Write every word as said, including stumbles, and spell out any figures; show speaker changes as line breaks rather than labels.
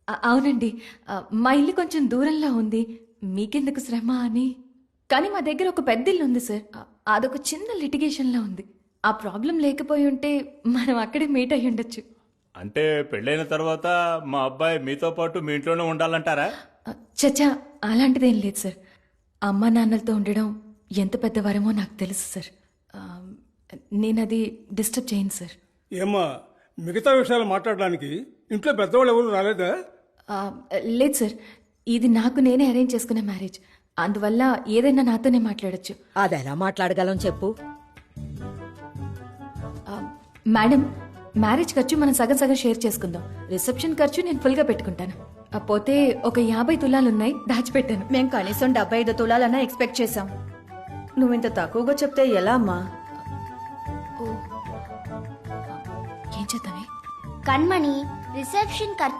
అ- అవునండి. ఆ, మా ఇల్లు కొంచెం దూరంలో ఉంది, మీకెందుకు శ్రమ అని. కానీ మా దగ్గర ఒక పెద్ద ఇల్లు ఉంది సార్. ఆ, అదొక చిన్న లిటిగేషన్లో ఉంది. ఆ ప్రాబ్లం లేకపోయి ఉంటే మనం అక్కడే మీట్ అయ్యి ఉండొచ్చు.
అంటే పెళ్ళైన తర్వాత మా అబ్బాయి మీతో పాటు మీ ఇంట్లోనే ఉండాలంటారా?
ఆ, చచ్చా, అలాంటిదేం లేదు సార్. అమ్మా నాన్నలతో ఉండడం ఎంత పెద్ద వరమో నాకు తెలుసు సార్. ఆ, నేను అది డిస్టర్బ్ చేయను సార్.
ఏమ్మా, మిగతా విషయాలు మాట్లాడడానికి ఇంట్లో పెద్దవాళ్ళు ఎవరు రాలేదా?
ఆ, లేదు సార్, ఇది నాకు నేనే అరేంజ్ చేసుకున్న మ్యారేజ్. అందువల్ల ఏదైనా నాతోనే మాట్లాడొచ్చు.
అది ఎలా మాట్లాడగలం చెప్పు.
ఆ, మేడం, మ్యారేజ్ ఖర్చు మనం సగం సగం షేర్ చేసుకుందాం. రిసెప్షన్ ఖర్చు నేను ఫుల్గా పెట్టుకుంటాను. ఆ, పోతే ఒక యాభై తులాలున్నాయి, దాచిపెట్టాను.
మేం కనీసం డెబ్బై ఐదు తులాలన్నా ఎక్స్పెక్ట్ చేశాం. నువ్వు ఇంత తక్కువగా చెప్తే ఎలా అమ్మా?
ఏం చేద్దామే?
కண்మణి రిసెప్షన్ ఖర్చు